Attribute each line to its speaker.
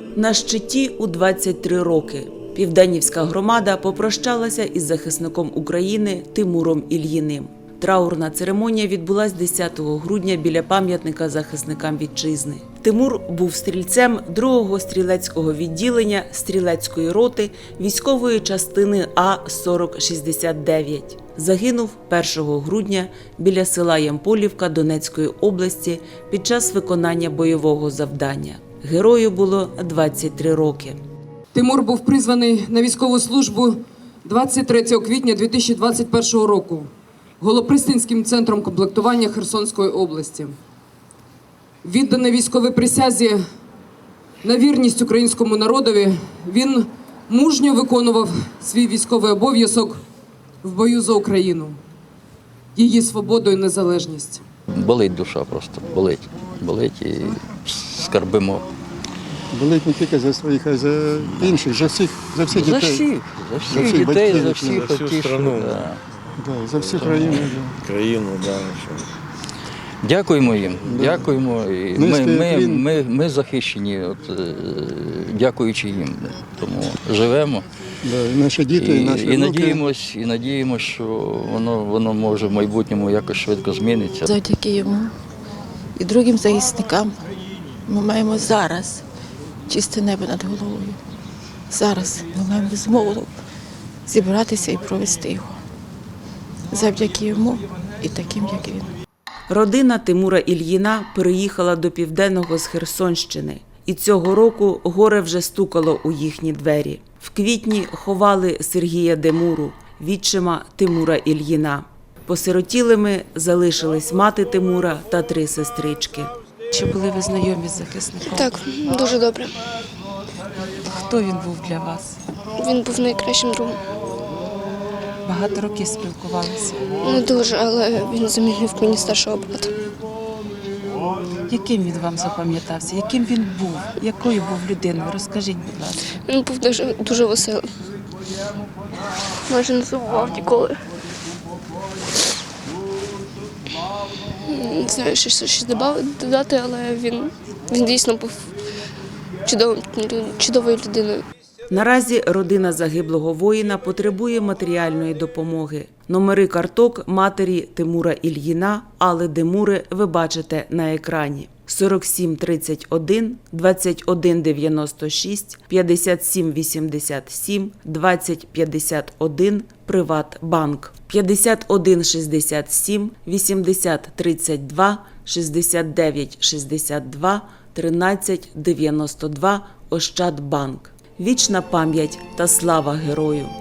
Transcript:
Speaker 1: На щиті у 23 роки Південнівська громада попрощалася із захисником України Тимуром Ільїним. Траурна церемонія відбулась 10 грудня біля пам'ятника захисникам вітчизни. Тимур був стрільцем 2-го стрілецького відділення стрілецької роти військової частини А-4069. Загинув 1 грудня біля села Ямполівка Донецької області під час виконання бойового завдання. Герою було 23 роки.
Speaker 2: Тимур був призваний на військову службу 23 квітня 2021 року Голопристанським центром комплектування Херсонської області. Відданий військовій присязі на вірність українському народові, він мужньо виконував свій військовий обов'язок в бою за Україну, її свободу і незалежність.
Speaker 3: Болить душа просто, болить і скарбимо.
Speaker 4: Болить не тільки за своїх, а й за інших, за всіх дітей.
Speaker 3: За всіх дітей, за всіх
Speaker 5: за всю страну.
Speaker 4: Да, за всю країну.
Speaker 5: Країну, да.
Speaker 3: Дякуємо їм, дякуємо. І ми захищені, дякуючи їм. Тому живемо.
Speaker 4: Да, і наші діти, і наші внуки.
Speaker 3: І надіємося, що воно може в майбутньому якось швидко зміниться.
Speaker 6: Завдяки йому і другим захисникам ми маємо зараз чисте небо над головою. Зараз ми маємо змогу зібратися і провести його. Завдяки йому і таким, як він.
Speaker 1: Родина Тимура Ільїна переїхала до Південного з Херсонщини. І цього року горе вже стукало у їхні двері. В квітні ховали Сергія Демуру, відчима Тимура Ільїна. Посиротілими залишились мати Тимура та 3 сестрички.
Speaker 7: Чи були ви знайомі з захисником?
Speaker 8: Так, дуже добре.
Speaker 7: Хто він був для вас?
Speaker 8: Він був найкращим другом.
Speaker 7: Багато років спілкувалися.
Speaker 8: Не дуже, але він замінив мені старшого брата.
Speaker 7: Яким він вам запам'ятався? Яким він був? Якою був людиною? Розкажіть, будь ласка.
Speaker 8: Він був дуже веселий. Майже не забував ніколи. Не знаю, що щось додати, але він дійсно був чудовою людиною.
Speaker 1: Наразі родина загиблого воїна потребує матеріальної допомоги. Номери карток матері Тимура Ільїна Алли Демури ви бачите на екрані. 47 31 21 96 57 87 20 51 Приватбанк. 51 67 80 32 69 62 13 92 Ощадбанк. Вічна пам'ять та слава герою!